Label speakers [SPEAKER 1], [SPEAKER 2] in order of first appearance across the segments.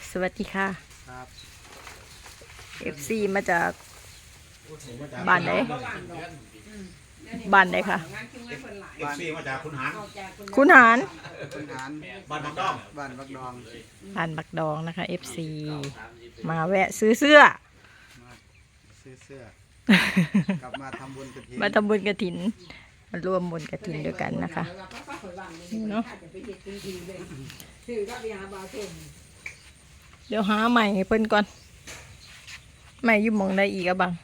[SPEAKER 1] สวัสดีค่ะ
[SPEAKER 2] ครับ
[SPEAKER 1] FC มาจากบ้านไหนบ้านไหนคะ
[SPEAKER 3] เอฟซีมาจากคุณหาร
[SPEAKER 1] คุณหาร
[SPEAKER 2] คุณหาร
[SPEAKER 3] บ้านบักดอง
[SPEAKER 2] บ้านบักดอง
[SPEAKER 1] บ้านบักดองนะคะ FC มาแวะซื้อเสื้อ
[SPEAKER 2] มาซื้อเสื้อกลับมาทำบุญกฐิน
[SPEAKER 1] มาทำบุญกฐินมาร่วมบุญกฐินด้วยกันนะคะเนาะเดี๋ยวหาใหม่ให้เพิ่นก่อนใหม่อยู่หมองได้อีกอะบัง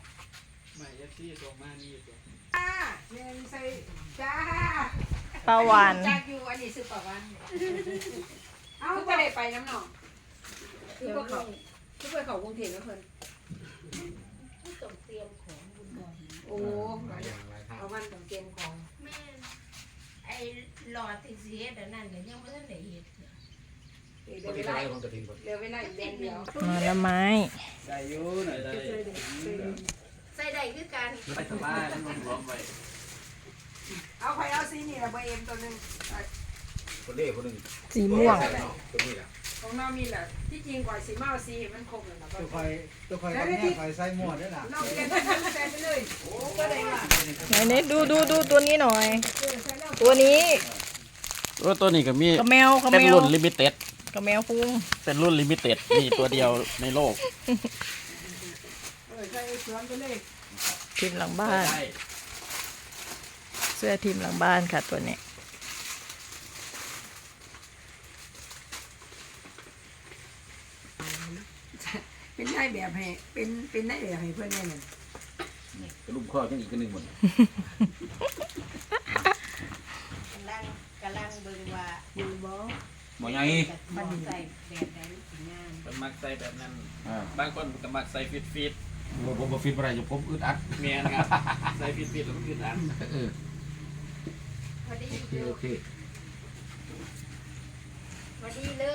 [SPEAKER 1] ปลาหวาน
[SPEAKER 4] จากอยู่อันนี้ซื้อปลาหวานเอ้าก็ได้ไปน้ำหนองคือพวกเขากรุงเทพแล้วเพิ่นต้องเตรียมของบุญก่อนโอ้เอาวันต้องเตรียมของแม่ไอ้หลอดที่เสียแต่นั่นก็ยังไม่ทันได้เฮ็ดเหลือเวลาอีกเดือนเดียว
[SPEAKER 1] มาละไม้
[SPEAKER 2] ใส่ยูหน่อย
[SPEAKER 4] ใส่ได้คือกัน
[SPEAKER 3] ไปสบายต้องลงรวมไป
[SPEAKER 4] เอาใครเอาซีนี่ละเบอร์เอ็มตัวนึง
[SPEAKER 3] คนเล่คนหนึ่ง
[SPEAKER 1] สีม่วง
[SPEAKER 3] คนนี้แหละ
[SPEAKER 4] ของน้ามีแหละที่จริงกว่าสีเมาซีมันคงเลยนะ
[SPEAKER 2] ตัวคอยกับแม่คอยใส่หมวดด้วยนะ
[SPEAKER 4] เราเปลี่ยนใส่ไปเลยโอ้ก็ได้ว่า
[SPEAKER 1] ไหนดูตัวนี้หน่อย ตัวนี้
[SPEAKER 5] ตัวนี้ก็มี
[SPEAKER 1] กระแมว
[SPEAKER 5] เป็นรุ่นลิมิเต็ด
[SPEAKER 1] กระแมวฟุ้ง
[SPEAKER 5] เป็นรุ่นลิมิเต็ดมีตัวเดียวในโลก
[SPEAKER 4] ใส่สวนไปเลย
[SPEAKER 1] ทีมหลังบ้านเสื้อทีมหลังบ้านค่ะตัวนี้
[SPEAKER 4] เป็นได้แบบให้เป็นได้แบบให้เพื่อนแน่นอน
[SPEAKER 3] กระลุ่มข้อยังอีกคนหนึ่งหมด
[SPEAKER 4] กำลังเบิ่งว่าอยู่บ่
[SPEAKER 3] หมอไง
[SPEAKER 4] มันใส่แบบไหนสิงาม
[SPEAKER 5] เป็นมักใส่แบบนั้น บางคนก็มักใส่ฟิต
[SPEAKER 3] ผมฟิตอะไรอยู่ผมอึดอัด
[SPEAKER 5] เมียนะครับ ใส่ฟิตแล้วก็ยืดอัน
[SPEAKER 4] พอดี
[SPEAKER 3] โอเค
[SPEAKER 4] พอดีเลย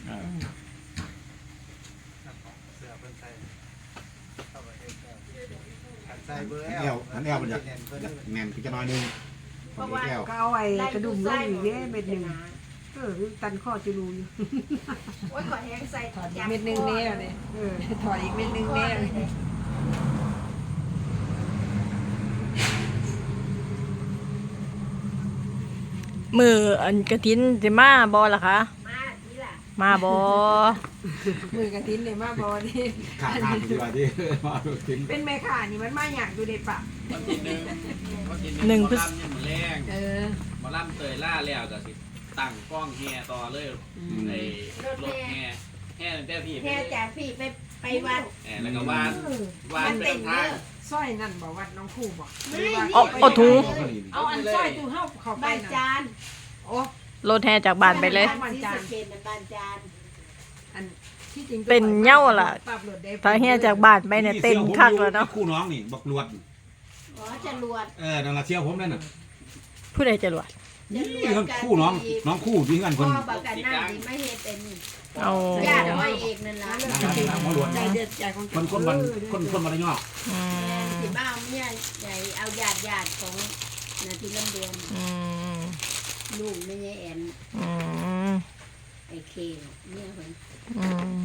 [SPEAKER 2] เสื้อเพิ่นใส่เข้าไปให้ขันใส่เบอร์
[SPEAKER 3] แอลมันอยากแน่นจะน้อยนึง
[SPEAKER 4] เพราะว่า
[SPEAKER 3] แอล
[SPEAKER 6] ก็เอาไอ้กระดุมลงอีกเด้เม็ดหนึ่งตันข้อจะรูอยู่
[SPEAKER 4] โอ้ยขอแห้งใส่ถอด
[SPEAKER 6] เม็ดหนึ่งแน่เลยถอดอีกเม็ดหนึ่งแน่เลย
[SPEAKER 1] มืออันกระถินจะมาบอล่ะคะ
[SPEAKER 4] มาทีละ
[SPEAKER 1] มาบอ
[SPEAKER 6] มือกระทิ้นเลยมาบอนี่
[SPEAKER 3] ขาดดีกว่าที่มากิน
[SPEAKER 6] เป็นแม่ข่านี่มันมาอยากดูเด็ดปะ
[SPEAKER 5] วันที่หนึ่งหมอลำยังแรง หมอลำเตยล่าแล้วก็สิตั้งกล้องแห่ต่อเลยในรถแห่ตั้งแต่พี่
[SPEAKER 4] แค่จากพี่ไปวัด
[SPEAKER 5] แล้วก็วานไปทาง
[SPEAKER 6] สร้อยนั่นบอกว่าน้องคู่บอก
[SPEAKER 4] ไม่
[SPEAKER 1] เอาถุง
[SPEAKER 6] เอาอันสร้อยตู้เฮาเข้าไป
[SPEAKER 4] บ้าน
[SPEAKER 6] นะ
[SPEAKER 4] จาน
[SPEAKER 6] โอ้
[SPEAKER 1] รถแห่จากบ้านไปเลย
[SPEAKER 4] บ้านจานบ้านจาน
[SPEAKER 6] อันที่จริง
[SPEAKER 1] เป็นเหย้าล่ะ
[SPEAKER 6] ปรับรถได้
[SPEAKER 1] ถ้าแห่จากบ้านไปเนี่ยเต็มคักแล้วเนาะ
[SPEAKER 3] คู่น้องนี่บักลวด
[SPEAKER 4] อ๋อจรวด
[SPEAKER 3] นั่นละเชี่ยวผมนั่นน่ะ
[SPEAKER 1] ผู้ใดจะรวด
[SPEAKER 3] นี่คู่น้องคู่ที่กันค
[SPEAKER 4] พ่อน บักกันน้ำนี่ไม่เฮ็ดเป็น
[SPEAKER 1] เอา
[SPEAKER 4] ญาติไว้เองนั่นล่ะ
[SPEAKER 3] หมอลวด
[SPEAKER 6] ใจเด็ดใจของ
[SPEAKER 3] คนมันระยอก
[SPEAKER 1] อืม
[SPEAKER 4] สิมาเอาเมียใหญ่เอาญาติของนาทีลำเดือน
[SPEAKER 1] อืม
[SPEAKER 4] ลูกไม่ใช่แอน
[SPEAKER 1] อืม
[SPEAKER 4] ไอเคเนี่ยเพิ่น
[SPEAKER 1] อืม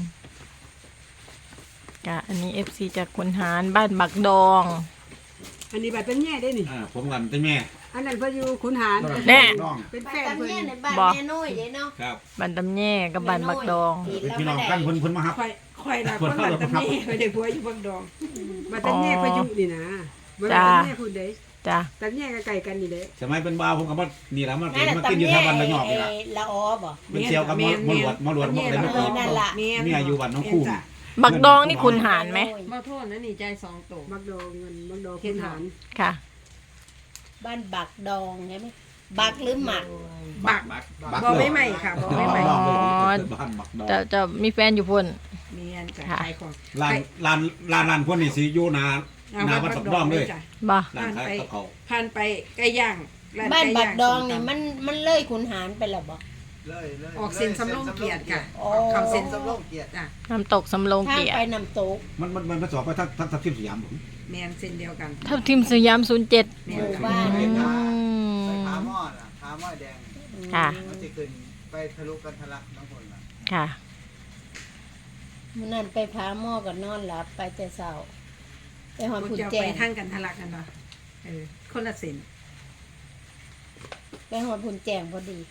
[SPEAKER 1] กะอันนี้ FC จากคุณหารบ้านบักดอง
[SPEAKER 6] อันนี้แบบเป็นแง่ได้นี่
[SPEAKER 3] ผมกันเป็นแม่
[SPEAKER 6] อันนั้นเพิ่นอยู่ขุนหาร
[SPEAKER 1] แน่
[SPEAKER 3] น้อง
[SPEAKER 6] เป็นแฟ
[SPEAKER 4] บ้าน
[SPEAKER 6] น
[SPEAKER 4] ตำ
[SPEAKER 6] เพิ่น
[SPEAKER 4] เนี่ยในบ้านแม่น้อยเด้เนาะ
[SPEAKER 3] ครับ
[SPEAKER 1] บ้านตำแย่กับบ้านบักดอง
[SPEAKER 3] เป็นพี่น้องกันเพิ่นมาฮับ
[SPEAKER 6] ข่อยน่ะคนบ้านตำแน่ข่อยได้ผัวอยู่บักดองบ้านตำแน่พายุนี่นะบ้านตำแน่พูดได้
[SPEAKER 1] จ้ะ
[SPEAKER 6] ตำแน่ก็ไก่กันนี่เด้
[SPEAKER 3] สมัยเป็นบ่าวผมก็มานี่แหละมันกินอยู่แถวบ้านระยอกนี่ล่ะ
[SPEAKER 4] ละออบ่
[SPEAKER 3] เป็นเซียวกับมอลวดอะไรไม่กิน
[SPEAKER 4] นั่นล่ะ
[SPEAKER 6] แม่
[SPEAKER 3] นี่อายุวันน้องคู่
[SPEAKER 1] บักดองนี่คุณหารไหม
[SPEAKER 6] บ่โทษนะนี่ใจ2โตบักดองเงินบักดองขุนหาร
[SPEAKER 1] ค่ะ
[SPEAKER 4] บ้านบักดองใช่ไหมบักหรือหมัก
[SPEAKER 6] บักบ่ไม่ใหม่ค่ะบ่ไม่ใหม่
[SPEAKER 1] อ๋อ
[SPEAKER 3] บ้านบักดอง
[SPEAKER 1] จะมีแฟนอยู่พุ่น
[SPEAKER 6] เมียนจะขายของ
[SPEAKER 3] ร้านพวกนี้สิอยู่นาวัดบักดองเลย
[SPEAKER 1] บ่
[SPEAKER 3] ร้านขายกับเขา
[SPEAKER 6] ผ่านไปไก่ย่าง
[SPEAKER 4] บ้านบักดองนี่มันเลยขุนหารไปแล้วบ่
[SPEAKER 2] เลย
[SPEAKER 6] ออกเส้นสำโรงเกียรติค่ะ
[SPEAKER 4] โอ้
[SPEAKER 6] เข้าเส้น
[SPEAKER 2] สำโรงเกียรติ
[SPEAKER 6] จ้ะ
[SPEAKER 1] น้ำตกสำโรง
[SPEAKER 4] ทาง
[SPEAKER 1] เกียร
[SPEAKER 4] ไป
[SPEAKER 1] ติ
[SPEAKER 4] น้ำตก
[SPEAKER 3] มันผสมไปทั้งทับทิมสยามผม
[SPEAKER 6] แม่นเส้นเดียวกัน
[SPEAKER 1] ทับทิมสยาม07
[SPEAKER 4] หมู่บ้าน
[SPEAKER 1] อื
[SPEAKER 2] ใส่
[SPEAKER 1] ม
[SPEAKER 2] ขาหม้อน่ะขาหม้อแดง
[SPEAKER 1] ค่ะ
[SPEAKER 2] มันจะขึ้นไปทะลุกันทะลักน้ำฝนน่ะ
[SPEAKER 1] ค่ะ
[SPEAKER 7] มื้อนั้นไปพาหม้อก็นอนหลับไปแต่เช้าไปหอด
[SPEAKER 6] พวก
[SPEAKER 7] พุ่น
[SPEAKER 6] เจ้า
[SPEAKER 7] แจ้
[SPEAKER 6] ไป
[SPEAKER 7] ง
[SPEAKER 6] ทางกันทะลักกันบ่คนละเส้น
[SPEAKER 7] ไปหอดพุ่นแจ้งพอดี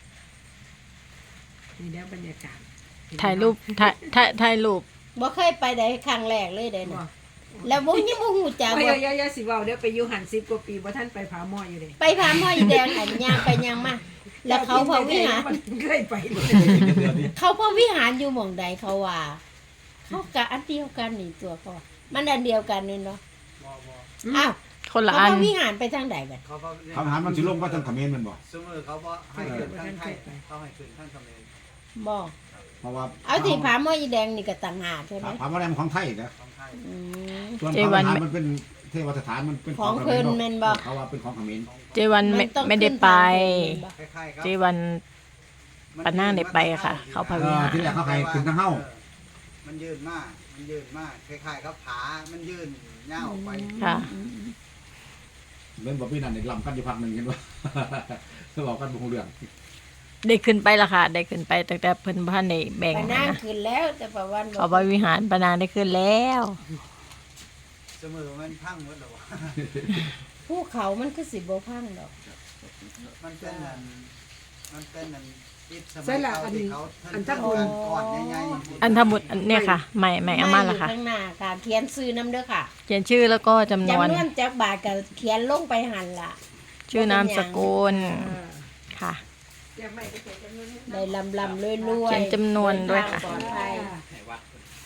[SPEAKER 6] นี่แล้วบรรยากาศ
[SPEAKER 1] ถ่ายรูปถ่ายรูป
[SPEAKER 7] บ่เคยไปได้ครั้งแรกเลยเด้
[SPEAKER 6] บ่
[SPEAKER 7] นะแล้วบ่ยังบ่ฮู้จัก
[SPEAKER 6] โอ้ย
[SPEAKER 7] ว่า
[SPEAKER 6] อย่าสิเว้าเดี๋ยวไปอยู่หัน10กว่าปีบ่ทันไปผาหม้ออยู่เด้
[SPEAKER 7] ไปพาหม้ออีแดงหันย่างไปย่างมาแล้วเขาพระวิหาร
[SPEAKER 6] เคยไปเลย
[SPEAKER 7] เขาพระวิหารอยู่หม่องใดเขาว่าเขากะอันเดียวกันนี่ตัวพ่อมันอันเดียวกันนี่เนาะ
[SPEAKER 2] บ่
[SPEAKER 7] อ้าว
[SPEAKER 1] คนละ
[SPEAKER 7] เขา
[SPEAKER 1] อัน
[SPEAKER 7] พระวิหารไปทางใดกัน
[SPEAKER 2] เขาก็
[SPEAKER 3] คำถามมันสิลงว่าทางเขมรแมันบ่
[SPEAKER 2] สมมุติเขาบ่ให้ขึ้นทางไทยเขาให้ขึ้นทางเขมร
[SPEAKER 7] บอก
[SPEAKER 3] เพราะว่า
[SPEAKER 7] เอาที่ผาหม้ออีแดงนี่ก็ต่างหากใช่ไหม
[SPEAKER 3] ผาหม้อแดงของไทยนะ
[SPEAKER 2] ของไทย
[SPEAKER 7] อืม
[SPEAKER 3] ส่วนผาหม้อมันเป็นเทวสถานมันเป็น
[SPEAKER 7] ของเพิ่นแม่นบ่
[SPEAKER 3] เขาว่าเป็นของเขมร
[SPEAKER 1] เจวันไม่ได้ไป
[SPEAKER 2] คล้ายๆครับ
[SPEAKER 1] เจวัน ปะนางได้ไปค่ะเขาพาวิหาร
[SPEAKER 3] ที่แรกเขาให้ขึ้นทางเฮ้า
[SPEAKER 2] มันยืนมากคล้ายๆกับผามันยืนยาวออกไป
[SPEAKER 1] ค่ะ
[SPEAKER 3] เล่นบ่พี่นั่นนี่ลำกันอยู่พักหนึงเห็นบ่ เขาบอกกันบ่ฮู้เรื่อง
[SPEAKER 1] ได้ขึ้นไปละค่ะ ได้ขึ้นไปตั้งแต่เพิ่นบ้านในแบ่ง
[SPEAKER 7] ไป
[SPEAKER 1] นะ
[SPEAKER 7] นั่งคืนแล้วแต่ประวัน
[SPEAKER 1] เขาไปวิหารปานางได้ขึ้นแล้ว
[SPEAKER 2] เสมอมันพังหมดแล้ววะ
[SPEAKER 7] ภูเขามันคือสิบ่พังดอก
[SPEAKER 2] มันเป็นอันอิฐสมั
[SPEAKER 6] ใช่
[SPEAKER 2] ย
[SPEAKER 6] ละ
[SPEAKER 2] เก่า
[SPEAKER 6] อัน
[SPEAKER 2] ที่เขา
[SPEAKER 6] อัน
[SPEAKER 2] เทิ
[SPEAKER 6] ถ้า
[SPEAKER 2] ง
[SPEAKER 6] บุญ
[SPEAKER 2] กันก่อนใหญ่ๆ
[SPEAKER 1] อันทบุตรอันเนี่ยค่ะไม่อามาละค่ะ
[SPEAKER 7] อยู่ข้างหน้าค่ะ เขียนซื้อน้ำเด้อค่ะ
[SPEAKER 1] เขียนชื่อแล้วก็จำนวน
[SPEAKER 7] จำนวนจากบาทก็เขียนลงไปหันล่ะ
[SPEAKER 1] ชื่อนามสกุลค่ะ
[SPEAKER 6] อย่าไม่ไปเจอกันนู่นนี่
[SPEAKER 7] ได้ลำรวยๆ
[SPEAKER 1] เขียนจำนวนด้วยค่ะ
[SPEAKER 7] เดินทางปลอดภัย
[SPEAKER 5] ให้วัด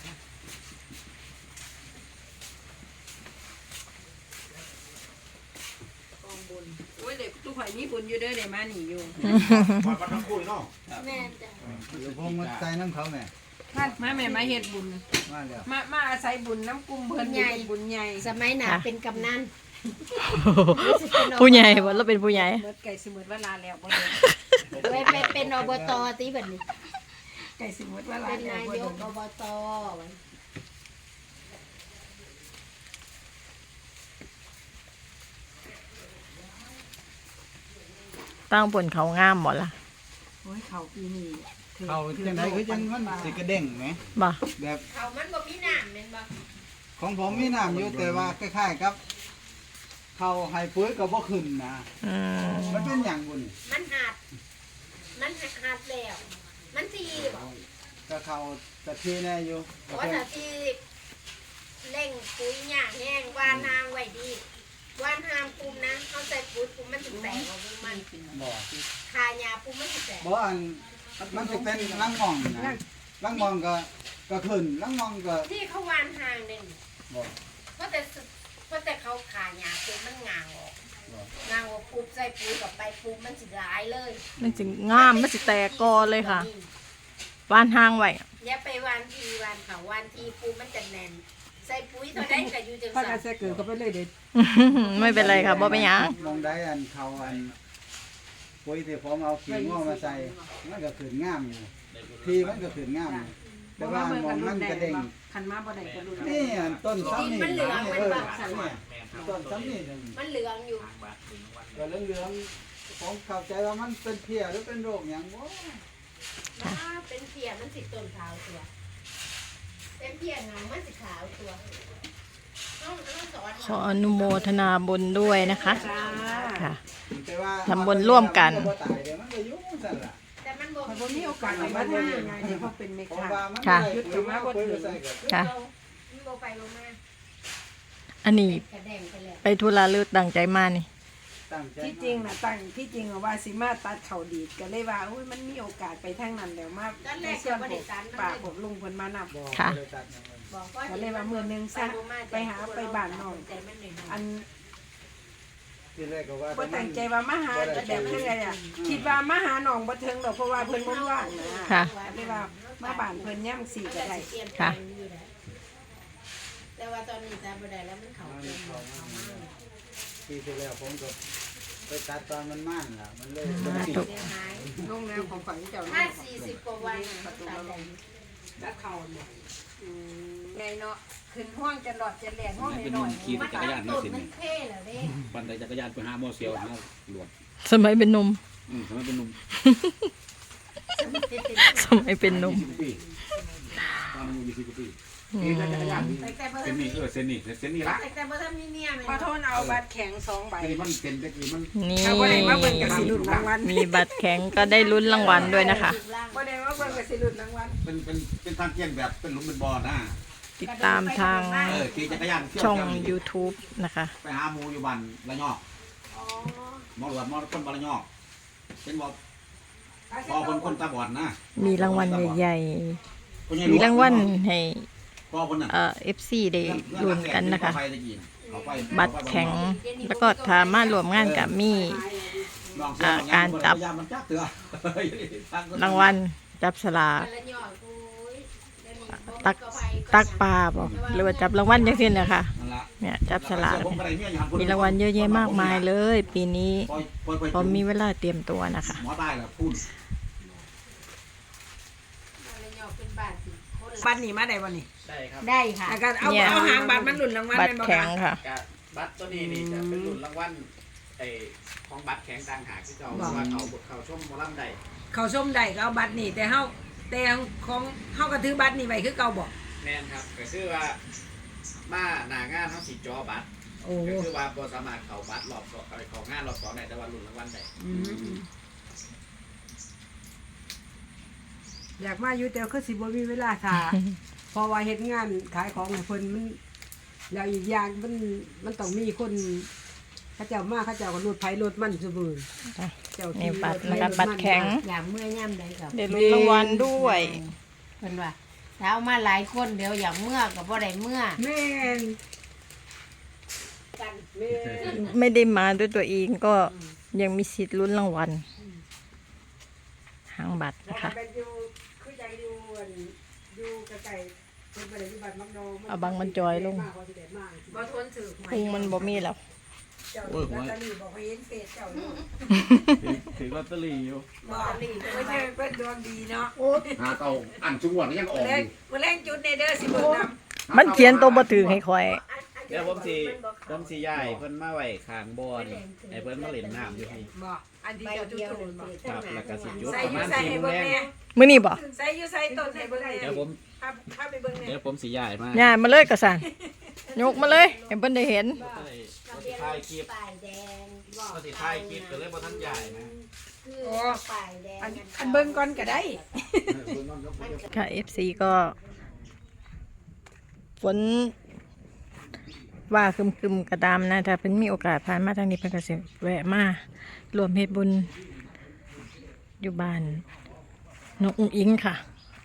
[SPEAKER 6] กองบุญโอ้ยเด็กทุกข่อยมีบุญอยู่เด้อได้มานี่อยู่
[SPEAKER 3] วัดทั้งคู่เนาะ
[SPEAKER 7] แม่จ้ะ
[SPEAKER 2] เดี๋ยวผมมาใจน้ำเขาแม่
[SPEAKER 6] มาแม่มาเฮ็ดบุญ
[SPEAKER 2] มาแล้ว
[SPEAKER 6] มาอาศัยบุญน้ำกุมเพิ่นอยู่เป็นบุญใหญ่
[SPEAKER 7] สมัยหนา
[SPEAKER 1] ค่ะ
[SPEAKER 7] เป็นกำนัน
[SPEAKER 1] ผู้ใหญ่ว่าเราเป็นผู้ใหญ่
[SPEAKER 6] เมื่อไก่สิหมดเวลาแล้วบ่เด้อ
[SPEAKER 7] ไปเป็นอบตตีแบบนี้
[SPEAKER 6] ไก่สิหมดเวลา
[SPEAKER 7] เป็น
[SPEAKER 6] แล้ว
[SPEAKER 7] นาย
[SPEAKER 6] บ่
[SPEAKER 7] ก
[SPEAKER 6] เด้อ
[SPEAKER 7] อบต
[SPEAKER 1] ตั้งบนเขางามหมดละ
[SPEAKER 6] โอ้ยเขาปีนี้
[SPEAKER 2] เขาจังไดคือจังมันสิกระเด้งไหม
[SPEAKER 1] บ่
[SPEAKER 2] แบบ
[SPEAKER 7] เขามันบ่มีน้ำแม่นบ่
[SPEAKER 2] ของผมมีน้ำอยู่แต่ว่าคล้ายๆกับเขาให้ปุ๋ยก็บ่ขึ้นนะ
[SPEAKER 1] อืม
[SPEAKER 2] มันเป็นหยังบุญ
[SPEAKER 7] มันหัดแล้ว มันทีบ่
[SPEAKER 2] ก็เขากะทีแน่อยู่
[SPEAKER 7] เพราะว่าถ้าที่เร่งปุ๋ยหญ้าแห้งวานทางไว้ดีวานทางปุ่มนะเขาใส่ปุ๋ยปุ่มมันสิแตกออกมามัน
[SPEAKER 2] บ่
[SPEAKER 7] คาหญ้าปุ่มมันสิแตก
[SPEAKER 2] บ่อันมันสิเป็นลังมองนะลังมองก็ขึ้นลังมองก็
[SPEAKER 7] ที่เขาวานทางนี่
[SPEAKER 2] บ่
[SPEAKER 7] เพราะแต่เขาขาหญ้าปุ่มมันงางออก
[SPEAKER 2] บ่
[SPEAKER 7] งางออกปุ๊บใส่ปุ๋ยกับไปปุ๊บมันสิหลายเลย
[SPEAKER 1] มันสิงามมันสิแตกกอเลยค่ะวานห้างไว้
[SPEAKER 7] อย่าไปวานทีวานเขาวานทีปุ๊บมันจะแน่น ใส่ปุ๋ยเท่าใดก็อยู่จัง
[SPEAKER 6] พากั
[SPEAKER 7] ซั่
[SPEAKER 6] น
[SPEAKER 7] น
[SPEAKER 6] ใส่เกิดก็ไปเลยเด้อ
[SPEAKER 1] ไม่เป็นไรค่ะบ่เป็นหยัง
[SPEAKER 2] มองได้อันเขาอันปุ๋ยที่ผมเอาขี้ง้อมาใส่มันก็ขึ้นงามอยู่ทีมันก็ขึ้นงามอยู่แต่ว่ามองมันกระเด้ง
[SPEAKER 6] คันมาบ่ได้ก็รุนแรง
[SPEAKER 2] นี่อันต้นซ้ำนี่
[SPEAKER 7] มันเหลืองมันแบบ
[SPEAKER 2] ต้นซ้ำนี่
[SPEAKER 7] มันเหลืองอยู่
[SPEAKER 2] ก็เหลืองๆผมเข้าใจว่ามันเป็นเพี้ยหรือเป็นโรคอย่างบ่
[SPEAKER 7] เป็นเพียมันสิต้นขาวตัว เป็นเพียงามมันสิขาวตัวต้องสอน
[SPEAKER 1] ขออนุโมทนาบุญด้วยนะคะ
[SPEAKER 6] จ้า
[SPEAKER 1] ค่ะ
[SPEAKER 2] แต่ว่า
[SPEAKER 1] ทำบุญร่วมกัน
[SPEAKER 2] บ่ตายเดี๋ยวมันก็อยู่ซั่นล่ะ
[SPEAKER 7] แต่มันบ่
[SPEAKER 6] ข่อยบ่มีโอกาสไปบ้านง่ายไงเดี๋ยวเขาเป็นเม
[SPEAKER 2] ผม
[SPEAKER 6] ฆา
[SPEAKER 2] ว่ามัน
[SPEAKER 1] ค่ะ
[SPEAKER 2] ได้ปุ๋ยมาปุ๋ยก็ใส่ก็
[SPEAKER 1] ค่ะ
[SPEAKER 7] มันบ่ไปบ่มา
[SPEAKER 1] อันนี้
[SPEAKER 7] กระแดงไปแล้ว
[SPEAKER 1] ไปธุระหรือตั้งใจมานี่
[SPEAKER 2] ตั้งใจ
[SPEAKER 6] ที่จริงนะตั้งที่จริงว่าสิมาตัดเขาดีดก็เลยว่าอุ้ยมันมีโอกาสไปทางนั้นแล้วมา
[SPEAKER 7] ตอนแร
[SPEAKER 6] ใน
[SPEAKER 7] ก
[SPEAKER 6] ส่
[SPEAKER 7] ก็
[SPEAKER 6] วน
[SPEAKER 7] บ่
[SPEAKER 6] ผ
[SPEAKER 7] ได้
[SPEAKER 6] ม
[SPEAKER 7] ตัน
[SPEAKER 6] ป้าผมลุงเพิ่นมานับ
[SPEAKER 2] บ่
[SPEAKER 1] ค่ะ
[SPEAKER 2] ได้ตัดหยังเลย
[SPEAKER 7] บอกว่า
[SPEAKER 6] ก็เลยว่ามื้อนึงซะไปหาไปบ้านน้อง
[SPEAKER 7] ใจมันหน่อย
[SPEAKER 6] อัน
[SPEAKER 2] ที่แรกก็ว่า
[SPEAKER 6] บ่ตั้งใจว่ามาหาแบบเพิ่นไงอ่ะคิดว่ามาหาน้องบ่ถึงดอกเพราะว่าเพิ่นบ่ว่างนะ
[SPEAKER 1] ค่ะ
[SPEAKER 6] ก็เลยว่ามาบ้านเพิ่นย่ำ4ก็ได้
[SPEAKER 1] ค่ะ
[SPEAKER 7] แต่ว่าตอนนี้ตาบ่ได้แล้วมันเขาเป็นเขามาก
[SPEAKER 2] ปีที่แล้วผมก็ไปตัดตอนมันม่านล่ะมันเลย
[SPEAKER 1] สาธุ
[SPEAKER 7] เสียหาย
[SPEAKER 6] ลงแนวของฝังเจ้า
[SPEAKER 7] ถ้า40กว่าวันตัดได้
[SPEAKER 6] ตัดเขาเนี่ยไงเนาะขึ้นห้องจะหลอดจะแหลกห้องหน่อย
[SPEAKER 5] ขี่
[SPEAKER 7] มัน
[SPEAKER 5] จักรยาน
[SPEAKER 7] ต้
[SPEAKER 5] นี่
[SPEAKER 7] น
[SPEAKER 5] สิ
[SPEAKER 7] มันเท่แล้วเด้
[SPEAKER 5] ปั่นจักรยานไปหาหมอเสียวหาหลวง
[SPEAKER 1] สมัยเป็นหนุ่ม
[SPEAKER 5] ทำไมเป็นหนุ่ม
[SPEAKER 1] สมัยเป็นหนุ่ม
[SPEAKER 5] 20ปีตอน
[SPEAKER 3] มันอยู่20กว่าปี
[SPEAKER 1] อื
[SPEAKER 3] เอ๊ะ
[SPEAKER 1] ม
[SPEAKER 3] จักรยานนี่
[SPEAKER 7] แต่เบอร์
[SPEAKER 3] เส้นนี้เส้นนี้ละ
[SPEAKER 7] แต่เบอร์มีเมียไหม
[SPEAKER 6] ขอโทษเอาบัตรแข็ง2ใบ
[SPEAKER 3] ไอ้มันเป็นเด็กนี่มัน
[SPEAKER 1] นี่
[SPEAKER 6] ถ้าบ่ได้มาเบิ่งก็สิลุ้นรางวัล
[SPEAKER 1] มีบัตรแข็งก็ได้ลุ้นรางวัลด้วยนะคะ
[SPEAKER 6] บ่ได้มาเบิ่งก็สิลุ้นรางวัล
[SPEAKER 3] เป็นทางเกียงแบบเป็นหลุมเป็นบ่อนะ
[SPEAKER 1] ติดตามทาง
[SPEAKER 3] ขี่จักรยานเที่ยว
[SPEAKER 1] ช่อง
[SPEAKER 3] เที่ยวนี่
[SPEAKER 1] YouTube นะคะ
[SPEAKER 3] ไปหาหมูอยู่บ้านละยอก
[SPEAKER 7] อ๋อ
[SPEAKER 3] หมอหลวดหมอคนบ้านละยอกเป็นบ่พอคนตาบอดนะ
[SPEAKER 1] มีรางวัลใหญ่
[SPEAKER 3] คนใหญ่
[SPEAKER 1] ๆ มีรางวัลให้
[SPEAKER 3] พอคนน่ะ
[SPEAKER 1] FC ได้ลุ้นกันนะคะ
[SPEAKER 3] ไปตะกี้เอาไป
[SPEAKER 1] บัตรแข็งแล้วก็สามารถรวมงานกับมี
[SPEAKER 3] ลองเสีย
[SPEAKER 1] การจับ
[SPEAKER 3] พยายามมันจับเถื่อ
[SPEAKER 1] รางวัลจับสลาก
[SPEAKER 7] ละหยอดกู
[SPEAKER 1] ตักปลาบอกหรือว่าจับรางวัลจังซี่นะคะ
[SPEAKER 3] นั่นล่ะ
[SPEAKER 1] เนี่ยจับสลาก
[SPEAKER 3] ผมก็ได้เมียอยู่หั่น
[SPEAKER 1] มีรางวัลเยอะแยะมากมายเลย ปีนี้
[SPEAKER 3] ปล่อย
[SPEAKER 1] พอมีเวลาเตรียมตัวนะคะ
[SPEAKER 3] หมอตายแล้วพูด
[SPEAKER 7] ละหยอดเป็นบาทสิ
[SPEAKER 6] บัตรนี่มาได้บ่นี่
[SPEAKER 5] ได้ครับ
[SPEAKER 7] ได้ค่ะ
[SPEAKER 6] แล้วก็เอา
[SPEAKER 1] เนี่ย
[SPEAKER 6] เอาหางบัตรมันลุ้นรางวัล
[SPEAKER 1] บัต
[SPEAKER 6] แม่
[SPEAKER 1] ร
[SPEAKER 6] นบ่
[SPEAKER 1] แข็ง
[SPEAKER 6] คะ
[SPEAKER 1] ค่ะ
[SPEAKER 5] กะบัตรตัวนี้นี่จะเป็นรุ่นรางวัลไอ้ของบัตรแข็งต่างหากที่เจ้าว่าเขาชมหมอลำใด
[SPEAKER 6] เขาส้มได้ก็เอาบัตรนี่แต่เฮาของเฮาก็ถือบัตรนี่ไว้คือเก่าบ่
[SPEAKER 5] แม่นครับก็คือว่ามาหน้างานเขาสิจอบัตร
[SPEAKER 6] โอ้
[SPEAKER 5] ก็คือว่าบ่สามารถเข้าบัตรรอบสองเข้างานรอบสองได้แต่ว่ารุ่นรางวัลได้
[SPEAKER 6] อืมอยากมาอยู่แต่คือสิบ่มีเวลาท่า เพราะว่าเฮ็ดงานขายของให้เพิ่นมันแล้วอีกอย่างมันต้องมีคนเขาเจ้ามาเขาเจ้าก็รถไผรถมันซุมื้อ
[SPEAKER 1] จ้ะ
[SPEAKER 6] เจ้า
[SPEAKER 1] นี่
[SPEAKER 6] ขี่
[SPEAKER 1] บัตร
[SPEAKER 6] ถไผ
[SPEAKER 1] นะคะ
[SPEAKER 6] ถ
[SPEAKER 1] บัตรแข็ง
[SPEAKER 7] อยากเมื่อย่ำใดกับ
[SPEAKER 1] ได้ลุ้นรางวัลด้วย
[SPEAKER 7] เพิ่นว่าถ้าเอามาหลายคนเดี๋ยวอยากเมื่อกับบ่ได้เมื่อ
[SPEAKER 6] แม่น
[SPEAKER 7] กัน
[SPEAKER 6] แม่น
[SPEAKER 1] ไม่ได้มาด้วยตัวเองก็ยังมีสิทธิ์ลุ้นรางวัลหางบัตร
[SPEAKER 6] เพราะ
[SPEAKER 1] นะคะ
[SPEAKER 6] ว่าเป็นอยู่คือจังอยู่อันอยู่ใกล้ๆเพิ่นบ่ได้อยู่บ้านมักดอง
[SPEAKER 1] เอาบังมันจอยลง
[SPEAKER 6] มากกว่าสิได้มาก
[SPEAKER 7] บ่ทนถือหวย
[SPEAKER 1] พุงมันบ่มีแล้ว
[SPEAKER 6] เจ้าลอตเตอรี่บอกให้เห็นเฟซเจ้าเนาะ
[SPEAKER 5] ถือลอตเตอรี่อยู่
[SPEAKER 6] บอกไม่ใช่เพิ่นดวงดีเนาะ
[SPEAKER 3] หาเตาอันจุงหวดยังออกอยู่
[SPEAKER 6] มื้อแรงจุดในเด้อสิเบิ่งนำ
[SPEAKER 1] มันเขียนตัวบ่ถือให้คอย
[SPEAKER 5] เดี๋ยวผมสิย้ายเพิ่นมาไว้ข้างบ่อนี่ให้เพิ่นมาเล่นน้ำอยู่นี่
[SPEAKER 6] บ่อันที่
[SPEAKER 7] ใบ
[SPEAKER 6] เจ้าจุด
[SPEAKER 7] เดียว
[SPEAKER 6] ตูนบ่
[SPEAKER 5] ครับแล้วก็สิจุด
[SPEAKER 6] ใส่
[SPEAKER 5] ประ
[SPEAKER 6] อยู่
[SPEAKER 5] มาณ
[SPEAKER 6] ใส่
[SPEAKER 5] 4
[SPEAKER 6] ให้
[SPEAKER 5] โมง
[SPEAKER 6] เบิ่ง
[SPEAKER 5] แรง
[SPEAKER 6] แน่
[SPEAKER 1] มื้อนี้บ่
[SPEAKER 6] ใส่อยู่ใส่ต้นให้เบิ่งแน่
[SPEAKER 5] เดี๋ยวผม
[SPEAKER 6] พาไปเบิ่งแน่
[SPEAKER 5] เดี๋ยวผมสิย้ายมา
[SPEAKER 1] ย่ามาเลยกระสันยกมาเลยให้เพิ่นได้เห็น
[SPEAKER 5] ก็เลยก็สิถ่ายคลิป
[SPEAKER 7] ป้ายแดง
[SPEAKER 5] ก็สิถ่ายคลิปก็เลยบ่ทันย้ายนะ
[SPEAKER 7] คือป้ายแดง
[SPEAKER 6] อันเบิ่งก่อนก็ได้
[SPEAKER 1] ค่ะ FC ก็ฝนว่าครึมๆกระดามนะถ้าเพิ่นมีโอกาสผ่านมาทางนี้เพิ่นก็สิแวะมารวมเฮ็ดบุญอยู่บ้านนกอุ้งอิงค่ะ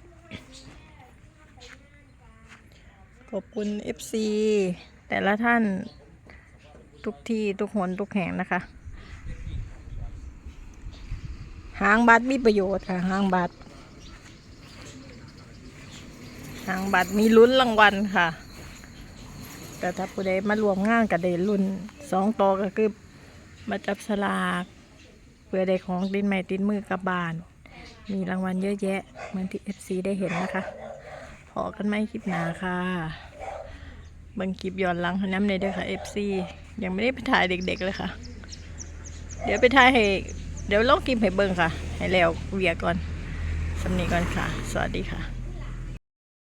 [SPEAKER 1] ขอบคุณ FC แต่ละท่านทุกที่ทุกหนทุกแห่งนะคะ หางบัตรมีประโยชน์ค่ะหางบัตรมีลุ้นรางวัลค่ะ แต่ถ้าผู้ใดมารวมงานกับได้ลุ้น2ต่อก็คือมาจับสลากเพื่อได้ของติดไม้ติดมือกลับบ้าน มีรางวัลเยอะแยะเหมือนที่ FC ได้เห็นนะคะพอกันไหมคลิปหน้าค่ะเบิ่งคลิปย้อนหลังน้ำในเด้อค่ะ FC ยังไม่ได้ไปถ่ายเด็กๆเลยค่ะ เดี๋ยวไปถ่ายให้เดี๋ยวลองคลิปให้เบิ่งค่ะ ให้แล้วเวียก่อนสำนีก่อนค่ะ สวัสดีค่ะ